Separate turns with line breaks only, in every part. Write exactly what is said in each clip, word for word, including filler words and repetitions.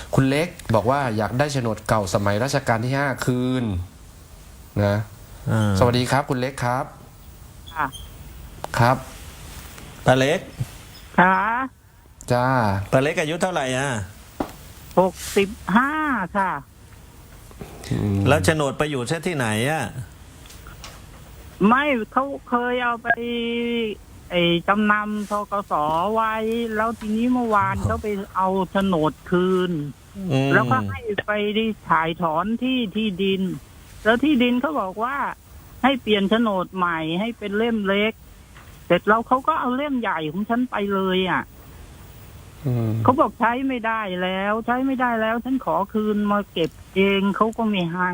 คุณเล็กบอกว่าอยากได้โฉนดเก่าสมัยรัชกาลที่ห้าคืนนะสวัสดีครับคุณเล็กครับ
ค่ะ
ครับ
ป้าเล็ก
ค่ะ
จ้า
ป้าเล็กอายุเท่าไหร่อ่ะ
หกสิบห้าค่ะ
แล้วโฉนดไปอยู่เช่ที่ไหนอ่ะ
ไม่เขาเคยเอาไปไอ้จำนำทกสไว้ แล้วทีนี้เมื่อวานเขาไปเอาโฉนดคืนแล้วก็ให้ไปได้ถ่ายถอนที่ที่ดิน แล้วที่ดินเขาบอกว่าให้เปลี่ยนโฉนดใหม่ให้เป็นเล่มเล็กเสร็จแล้วเขาก็เอาเล่มใหญ่ของฉันไปเลยอ่ะเขาบอกใช้ไม่ได้แล้ว ใช้ไม่ได้แล้วฉันขอคืนมาเก็บเองเขาก็ไม่ให้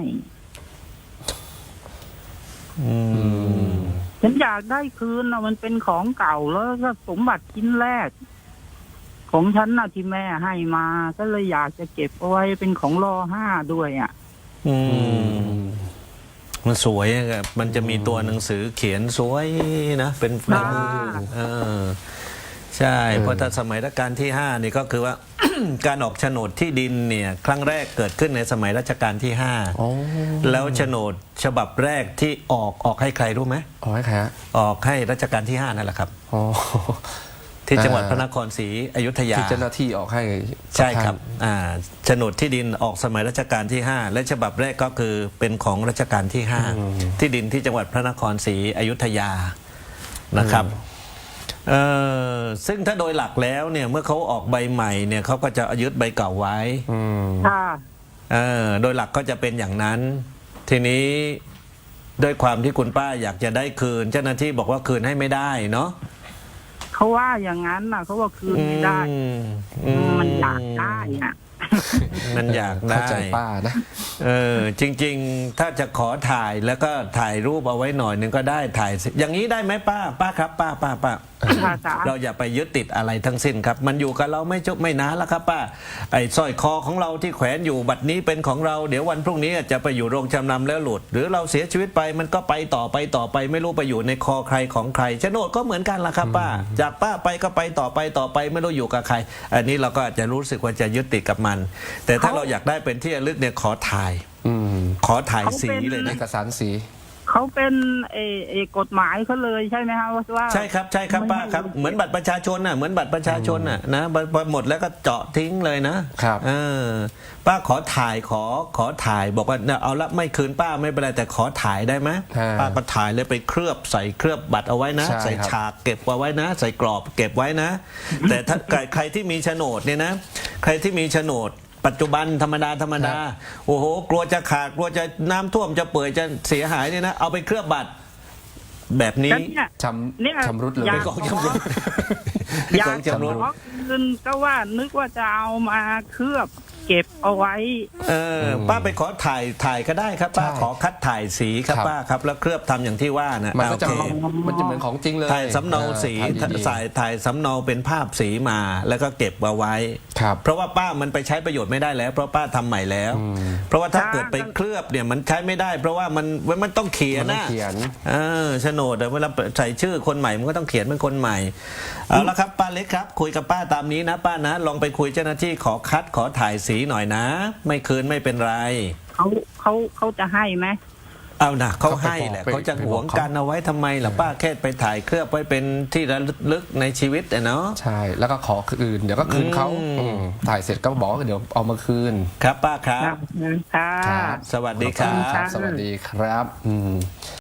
ฉันอยากได้คืนนะมันเป็นของเก่าแล้วก็สมบัติชิ้นแรกของฉันนะที่แม่ให้มาก็เลยอยากจะเก็บเอาไว้เป็นของรอห้าด้วยอ่ะ
อืมมันสวยอะมันจะมีตัวหนังสือเขียนสวยนะเป็นเออใช่เพราะถ้าสมัยรัชกาลที่ห้านี่ก็คือว่า การออกโฉนดที่ดินเนี่ยครั้งแรกเกิดขึ้นในสมัยรัชกาลที่ห้าแล้วโฉนดฉบับแรกที่ออกออกให้ใครรู้ไหม
ออกให้ใครฮะ
ออกให้รัชกาลที่ห้านั่นแหละครับที่จังหวัดพระนครศรีอยุธยา
ที่เจ้าหน้าที่ออกให้
ใช่ครับอ่าโฉนดที่ดินออกสมัยรัชกาลที่ห้าและฉบับแรกก็คือเป็นของรัชกาลที่ห้าที่ดินที่จังหวัดพระนครศรีอยุธยานะครับเอ่อซึ่งถ้าโดยหลักแล้วเนี่ยเมื่อเขาออกใบใหม่เนี่ยเขาก็จะยึดใบเก่าไว้
ค่ะ
เออโดยหลักก็จะเป็นอย่างนั้นทีนี้ด้วยความที่คุณป้าอยากจะได้คืนเจ้าหน้าที่บอกว่าคืนให้ไม่ได้เนาะ
เขาว่าอย่างนั้นน่ะเขาว่าคืนไม่ได้มันอยากได้อ่ะ
มันอยากได้
เข้าใจป้านะ
เออจริงๆถ้าจะขอถ่ายแล้วก็ถ่ายรูปเอาไว้หน่อยหนึ่งก็ได้ถ่ายอย่างนี้ได้ไหมป้าป้าครับป้าป้าป้าเราอย่าไปยึดติดอะไรทั้งสิ้นครับมันอยู่กับเราไม่จบไม่นานแล้วครับป้าไอ้สร้อยคอของเราที่แขวนอยู่บัดนี้เป็นของเราเดี๋ยววันพรุ่งนี้จะไปอยู่โรงจำนำแล้วหลุดหรือเราเสียชีวิตไปมันก็ไปต่อไปต่อไปไม่รู้ไปอยู่ในคอใครของใครโฉนดก็เหมือนกันล่ะครับป้าจากป้าไปก็ไปต่อไปต่อไปไม่รู้อยู่กับใครอันนี้เราก็อาจจะรู้สึกว่าจะยึดติดกับมันแต่ถ้าเราอยากได้เป็นที่ระลึกเนี่ยขอถ่ายขอถ่ายสีเลยนะ
เอกสารสี
เขาเป็นเอเอกฎหมายเขาเลยใช่ไหมครับว่า
ใช่ครับใช่ครับป้าครับเหมือนบัตรประชาชนน่ะเหมือนบัตรประชาชนน่ะนะพอหมดแล้วก็เจาะทิ้งเลยนะครับเออป้าขอถ่ายขอขอถ่ายบอกว่าเอาละไม่คืนป้าไม่เป็นไรแต่ขอถ่ายได้ไหมป้าก็ถ่ายเลยไปเคลือบใส่เคลือบบัตรเอาไว้นะใส่ฉากเก็บไว้นะใส่กรอบเก็บไว้นะแต่ถ้าใครที่มีโฉนดเนี่ยนะใครที่มีโฉนดปัจจุบันธรรมดาธรรมดาโอ้โหกลัวจะขาดกลัวจะน้ำท่วมจะเปื่อยจะเสียหายเนี่ยนะเอาไปเคลือบบัตรแบบนี้
ชำชำรุดเลย
เป็นของชำรุด
อยากขอคืนก็ว่านึกว่าจะเอามาเคลือบเก็บเอาไว้
เออป้าไปขอถ่ายถ่ายก็ได้ครับป้าขอคัดถ่ายสีครับป้าครับแล้วเคลือบทำอย่างที่ว่านะ
มันก็จะมันจะเหมือนของจริงเลย
ถ่ายสำเนาสีถ่ายถ่ายสำเนาเป็นภาพสีมาแล้วก็เก็บเอาไว้เพราะว่าป้ามันไปใช้ประโยชน์ไม่ได้แล้วเพราะป้าทำใหม่แล้วเพราะว่าถ้าเกิดไปเคลือบเนี่ยมันใช้ไม่ได้เพราะว่ามันมันต้องเขียนนะเออโฉนดเวลาใส่ชื่อคนใหม่มันก็ต้องเขียนเป็นคนใหม่เอาละครับป้าเล็กครับคุยกับป้าตามนี้นะป้านะลองไปคุยเจ้าหน้าที่ขอคัดขอถ่ายสีหน่อยนะไม่คืนไม่เป็นไร
เขาเขาเขาจะให้ไหม
เอานะเขาให้แหละเขาจะหวงกันเอาไว้ทำไมล่ะป้าแค่ไปถ่ายเคลือบไว้เป็นที่ระลึกในชีวิตเนาะ
ใช่แล้วก็ขอคืนเดี๋ยวก็คืนเขาถ่ายเสร็จก็บอกเดี๋ยวเอามาคืน
ครับป้าครับ
ค่ะ
สวัสดีครับ
สวัสดีครับ